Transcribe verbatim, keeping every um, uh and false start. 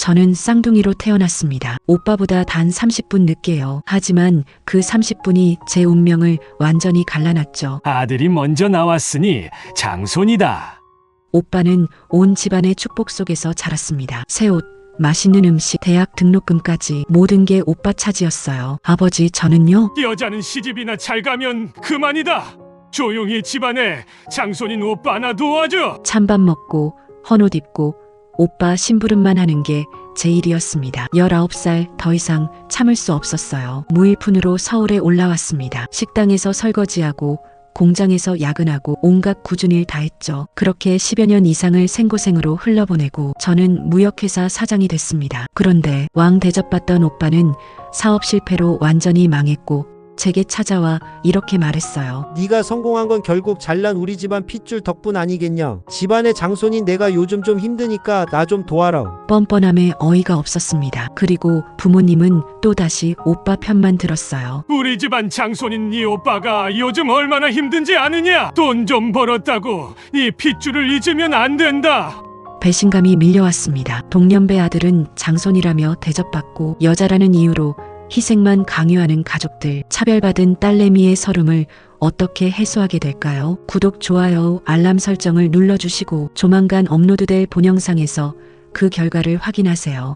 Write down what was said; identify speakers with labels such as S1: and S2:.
S1: 저는 쌍둥이로 태어났습니다. 오빠보다 단 삼십 분 늦게요. 하지만 그 삼십 분이 제 운명을 완전히 갈라놨죠.
S2: 아들이 먼저 나왔으니 장손이다.
S1: 오빠는 온 집안의 축복 속에서 자랐습니다. 새 옷, 맛있는 음식, 대학 등록금까지 모든 게 오빠 차지였어요. 아버지, 저는요?
S2: 여자는 시집이나 잘 가면 그만이다. 조용히 집안에 장손인 오빠 하나 도와줘.
S1: 찬밥 먹고 헌옷 입고 오빠 심부름만 하는 게 제 일이었습니다. 열아홉 살 더 이상 참을 수 없었어요. 무일푼으로 서울에 올라왔습니다. 식당에서 설거지하고 공장에서 야근하고 온갖 굳은 일 다 했죠. 그렇게 십여 년 이상을 생고생으로 흘러보내고 저는 무역회사 사장이 됐습니다. 그런데 왕 대접받던 오빠는 사업 실패로 완전히 망했고 제게 찾아와 이렇게 말했어요.
S3: 네가 성공한 건 결국 잘난 우리 집안 핏줄 덕분 아니겠냐. 집안의 장손인 내가 요즘 좀 힘드니까 나 좀 도와라.
S1: 뻔뻔함에 어이가 없었습니다. 그리고 부모님은 또다시 오빠 편만 들었어요.
S2: 우리 집안 장손인 네 오빠가 요즘 얼마나 힘든지 아느냐? 돈 좀 벌었다고 이 핏줄을 잊으면 안 된다.
S1: 배신감이 밀려왔습니다. 동년배 아들은 장손이라며 대접받고 여자라는 이유로 희생만 강요하는 가족들, 차별받은 딸내미의 서름을 어떻게 해소하게 될까요? 구독, 좋아요, 알람 설정을 눌러주시고 조만간 업로드될 본영상에서 그 결과를 확인하세요.